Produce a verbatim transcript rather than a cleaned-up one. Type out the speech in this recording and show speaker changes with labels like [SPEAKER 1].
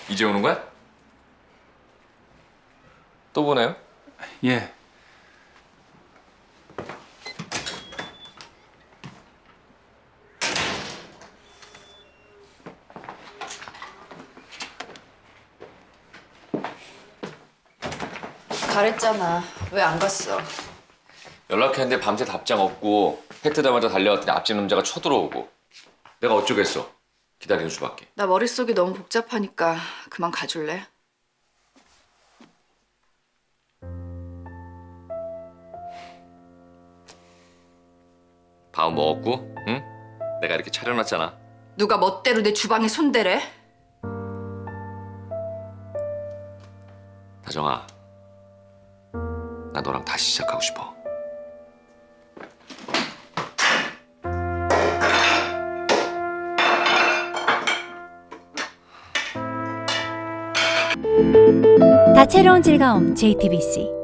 [SPEAKER 1] 이제 오는 거야? 또 보내요?
[SPEAKER 2] 예.
[SPEAKER 3] 잘했잖아. 왜 안 갔어?
[SPEAKER 1] 연락했는데 밤새 답장 없고 해 뜨자마자 달려갔더니 앞집 남자가 쳐들어오고 내가 어쩌겠어. 기다리는 수밖에.
[SPEAKER 3] 나 머릿속이 너무 복잡하니까 그만 가줄래?
[SPEAKER 1] 밥 먹었고, 응? 내가 이렇게 차려놨잖아.
[SPEAKER 3] 누가 멋대로 내 주방에 손대래?
[SPEAKER 1] 다정아, 나 너랑 다시 시작하고 싶어.
[SPEAKER 4] 다채로운 즐거움 제이티비씨